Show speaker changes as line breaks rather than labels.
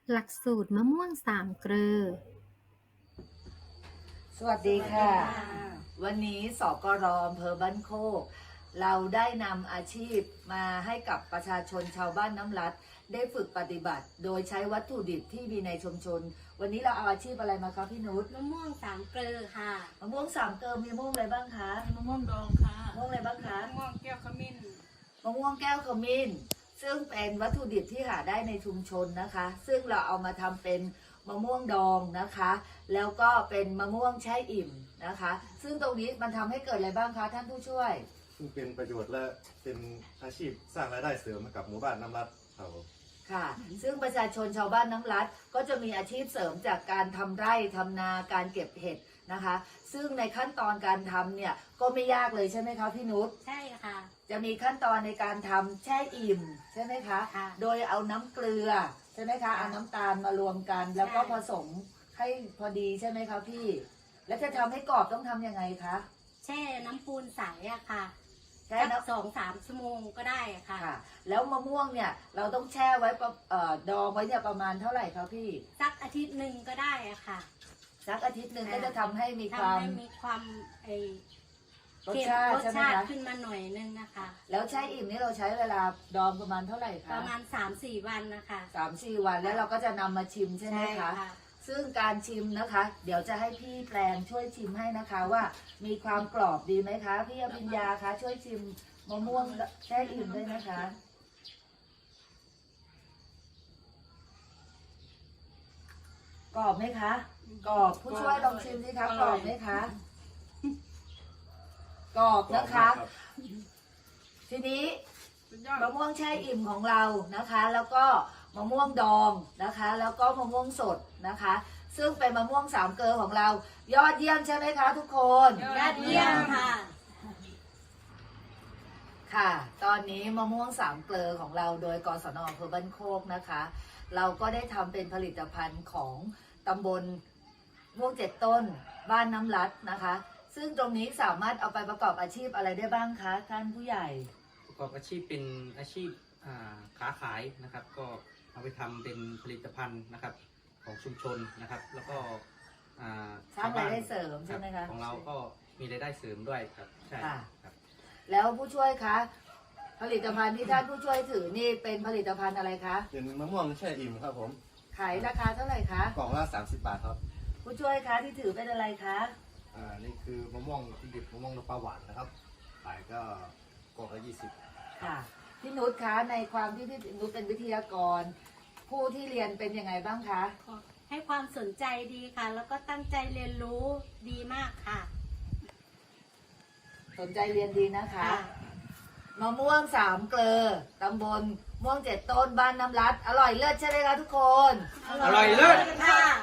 หลักสูตรมะม่วงสามเกลอ
สวัสดีค่ะ วันนี้สกร.อำเภอบ้านโคกเราได้นำอาชีพมาให้กับประชาชนชาวบ้านน้ำรัดได้ฝึกปฏิบัติ โดยใช้วัตถุดิบที่มีในชุมชน วันนี้เราเอาอาชีพอะไรมาคะพี่นุช
มะม่วงสามเกลอค่ะ
มะม่วงสามเกลอมีมะม่วงอะไรบ้างคะ
มะม่วงดองค่ะ
มะม่วงอะไรบ้างคะ
มะม่วงแก้วขมิ้น
มะม่วงแก้วขมิ้นซึ่งเป็นวัตถุดิบที่หาได้ในชุมชนนะคะ ซึ่งเราเอามาทำเป็นมะม่วงดองนะคะ แล้วก็เป็นมะม่วงแช่อิ่มนะคะ ซึ่งตรงนี้มันทำให้เกิดอะไรบ้างคะท่านผู้ช่วย
ซึ่งเป็นประโยชน์และเป็นอาชีพสร้างรายได้เสริมให้กับหมู่บ้านน้ำรัดครับผม
ค่ะ ซึ่งประชาชนชาวบ้านน้ำรัดก็จะมีอาชีพเสริมจากการทำไร่ทำนาการเก็บเห็ดนะคะ ซึ่งในขั้นตอนการทำเนี่ยก็ไม่ยากเลยใช่ไหมคะพี่นุช
ใช่ค่ะ
จะมีขั้นตอนในการทำแช่อิ่มใช่ไหมคะ
ค่ะ
โดยเอาน้ำเกลือใช่ไหมคะ เอาน้ำตาลมารวมกัน แล้วก็ผสมให้พอดีใช่ไหมคะพี่ แล้วจะทำให้กรอบต้องทำยังไงคะ
แช่น้ำปูนใสอะค่ะ
แช่
สัก
น้ำ
2-3 ชั่วโมงก็ได้อะค่ะ
ค่ะ แล้วมะม่วงเนี่ยเราต้องแช่ไว้ดองไว้เนี่ยประมาณเท่าไหร่คะพี่
สักอาทิตย์หนึ่งก็ได้อะค่ะ
สักอาทิตย์หนึ่งก็จะทำให้มีค
ทำ
วาม
ให้มีความไอ
รส
เค็ม
ชาติ
รส
ใช่ไหม
ชาติ
คะ
ขึ้นมาหน่อยนึงนะคะ
แล้วแช่อิ่มนี่เราใช้เวลาดองประมาณเท่าไหร่
ป
คะ
ระมาณ 3-4 วันนะคะ
3-4 วันแล้วเราก็จะนำมาชิมใช่ไหมคะ ซึ่งการชิมนะคะ เดี๋ยวจะให้พี่แปลงช่วยชิมให้นะคะว่ามีความกรอบดีไหมคะ พี่อภิญญาคะช่วยชิมมะม่วงแช่อิ่มด้วยนะคะ กรอบไหมคะกรอบผู้ช่วยลองชิมสิคะกรอบไหมคะกรอบนะคะ ทีนี้
สุดยอด
มะม่วงแช่อิ่มของเรานะคะ แล้วก็มะม่วงดองนะคะ แล้วก็มะม่วงสดนะคะ ซึ่งเป็นมะม่วงสามเกลอของเรา ยอดเยี่ยมใช่ไหมคะทุกคน
ยอดเยี่ยมค่ะ
ค่ะ ตอนนี้มะม่วงสามเกลอของเราโดยกศน.อำเภอบ้านโคกนะคะ เราก็ได้ทำเป็นผลิตภัณฑ์ของตำบลม่วงเจ็ดต้นบ้านน้ำรัดนะคะ ซึ่งตรงนี้สามารถเอาไปประกอบอาชีพอะไรได้บ้างคะท่านผู้ใหญ่
ประกอบอาชีพเป็นอาชีพค้าขายนะครับ ก็เอาไปทำเป็นผลิตภัณฑ์นะครับของชุมชนนะครับ แล้วก็
สร้างรายได้เสริมใช่ไหมคะ
ของเราก็มีรายได้เสริมด้วยครับใช่
ค่ะ
ครับ
แล้วผู้ช่วยคะผลิตภัณฑ์ที่ท่านผู้ช่วยถือนี่เป็นผลิตภัณฑ์อะไรคะ
เป็นมะม่วงแช่อิ่มครับผม
ขายราคาเท่าไหร่คะ
กล่องละ30 บาทครับ
ผู้ช่วยคะที่ถือเป็นอะไรคะ
นี่คือมะม่วงที่ดิบมะม่วงน้ำปลาหวานนะครับขายก็กล่องละ20
ค่ะพี่นุชคะในความที่พี่นุชเป็นวิทยากร ผู้ที่เรียนเป็นยังไงบ้างคะ
ให้ความสนใจดีค่ะ แล้วก็ตั้งใจเรียนรู้ดีมากค่ะ
สนใจเรียนดีนะคะมะม่วงสามเกลอตำบลม่วงเจ็ดต้นบ้านน้ำรัดอร่อยเลิศใช่ไหมคะทุกคน
อร่อยเลิศ
ค่ะ